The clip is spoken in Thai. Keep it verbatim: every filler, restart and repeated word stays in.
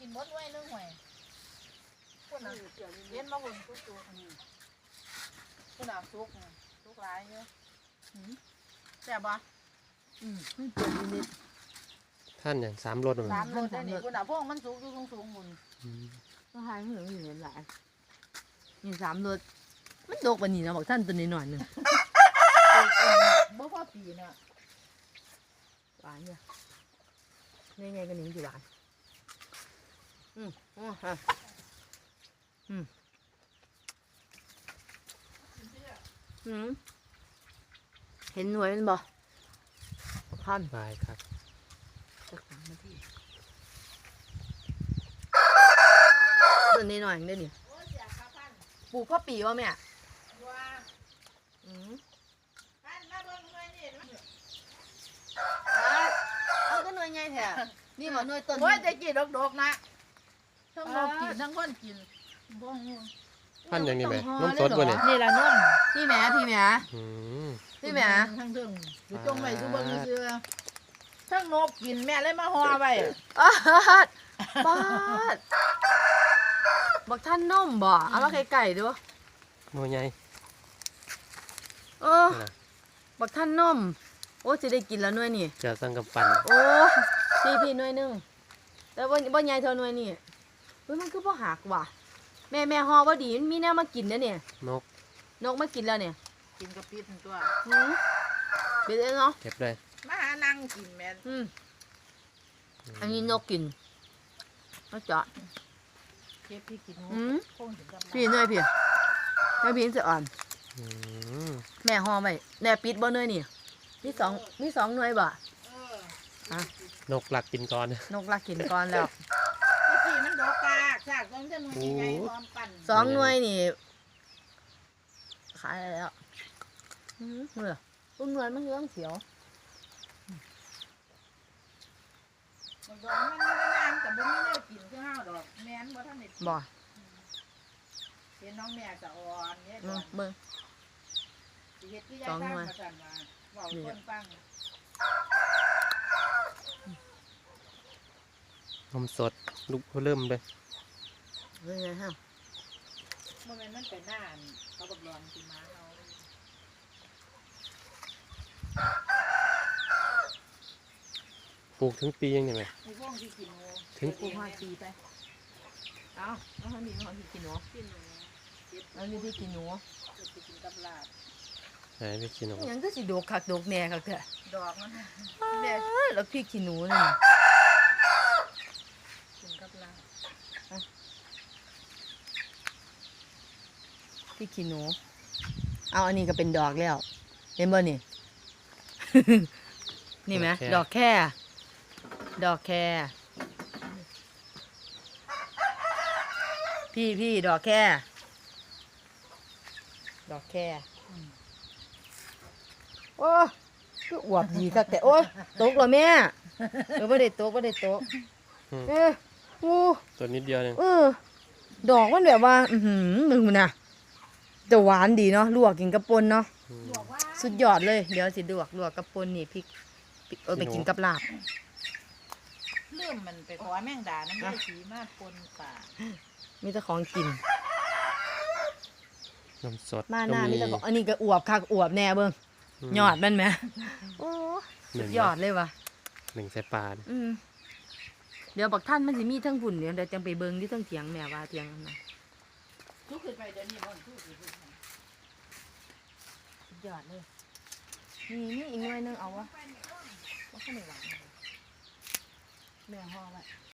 หมดไว้นึงหวยคุณน่ะเย็นมาหุ่นทุกตัวคุณน่ะทุกทุกหลายเยอะแซ่บบ่อืมไม่เปลี่ยนนิดท่านอย่างสามรถสามรถได้นี่คุณน่ะพวกมันสูงอยู่สูงๆหุ่นก็หายเหมือนอยู่หลายนี่สามรถมันโดกปานนี้นะบอกท่านตัวนี้หน่อยหนึ่งบ่พอปีน่ะหวานเนี่ยนี่ไงกันหนิงสิหวานอืมอ๋อฮะอืมอืมเห็นหน่วยมันบ่ท่านบายครับสักสามนาทีตัวนี้หน่อยได้ดิปลูกพ่อปีวะแม่อืมเอาก็หน่วยไงแท้นี่หมอหน่วยต้นโอ้ยจะกินดอกๆนะทั้งนกกินทั้งคนกินบ่ฮู้ท่านอย่างนี้ไหมน้ำสดบ่เนี่ยนี่ละนุ่นพี่แม่พี่แม่อืมพี่แม่ทั้งถึงอยู่ตรงไว้อยู่เบิ่งซื่อทั้งนกกินแม่เลยมาห่อไว้ปาดปาดบักท่านนุ่มบ่เอามาไก่ๆดูหน่วยใหญ่เออบักท่านนุ่มโอ้จะได้กินแล้วหน่วยนี่เจะสั่งกับปั่นโอ้พี่พี่หน่วยหนึงแต่ว่าบ่ใหญ่เท่าหน่วยนี่เฮ้ยมันคือบ่หักว่ะแม่แม่ฮอบ่ดีมันมีแนวมากินนะเนี่ยนกนกมากินแล้วเนี่ยกินกับปิดตัวหืมเป็นไงเนาะเก็บเลยมาหานั่งกินแม่นอืมอันนี้นกกินนกเจาะเก็บพี่กินอืมคงถึงกับพี่หน่วยพี่แม่พี่จะอ่อนอืมแม่ฮอไว้แน่ปิดบ่หน่วยนี่มีสองมีสองหน่วยบ่เออนกหลักกินก่อนนกลักกินก่อนแล้วไอ้ที่มันดอกกากฉากต้องจะหนุ่ยใหญ่ๆพร้อมปั่นสองหน่วยนี่ขายแล้วอืมเหรอต้นหน่วยมันเรื่องเขียวมันดอกมันก็น้ำแต่บ่มีแนวกินคือห้าวดอกแม่นบ่ทันได้กินบ่เห็นน้องแม่จะอ่อนเนี่ยอืก่อมนเบิ่งสิเฮ็ดคือยายทางมาสั่นว่าเว้าให้คนฟังนมสดลูกเริ่มเลยเบิ่งไงฮะบ่แม่นมันเป็นหน้าอันเขาบักร้อนสิมาเอาปลูกถึงปียังไงไหมไอ้พวกที่กินหมูถึงปลูกหอยปีไปเอาเอาให้มีหอยกินหนูกินหมูเก็บเอามีที่กินหนูจะไปกินกับลาบไหนไปกินหนอิหยังก็สิโดกคักโดกแหน่คักเถอะดอกมันเด้แล้วพี่ขี้หนูนี่กินกับลาบพี่ขี้หนูเอาอันนี้ก็เป็นดอกแล้วเห็นบ่นี่ นี่ไหมดอกแค่ดอกแค่พี่พี่ดอกแค่ดอกแค่โอ้ก็อวบดีคักแต่โอ้ยตกเหรอแม่เออไม่ได้ตกไม่ได้ตกเออโอ้ตัวนิดเดียวเองเออดอกมันแบบว่า อือหือมึงนะจะหวานดีเนาะลวกกินกับปนเนาะอืมบอกว่าสุดยอดเลยเดี๋ยวสิลวกลวกกับปนนี่พริกพริกเออไปกินกับลาบเริ่มมันไปขอแมงดาน้ำลายสีมาปนป่ามีแต่ของกินนมสดมาหก็น้ามีมีแต่ของอันนี้ก็อวบคักอวบแน่เบิ่งมยอดมันไหมโอ้หสุนึ่ดงยอดเลยว่ะหนึ่งใส่ปลาเนี่ยอืมเดี๋ยวบอกท่านมันสิมีทั้งผุ่นเดี๋ยวเดี๋ยวจังไปเบิ่งที่ทั้งเถียงแม่ว่าเถียงนั่นนะทุกขึ้นไปเดี๋ยวนี้มันทุกขึ้นไปสุดยอดเลยนี่นี่อีกหน่วยหนึงเอาวะว่าข้าวเหนียวหวานแม่ห่อไว้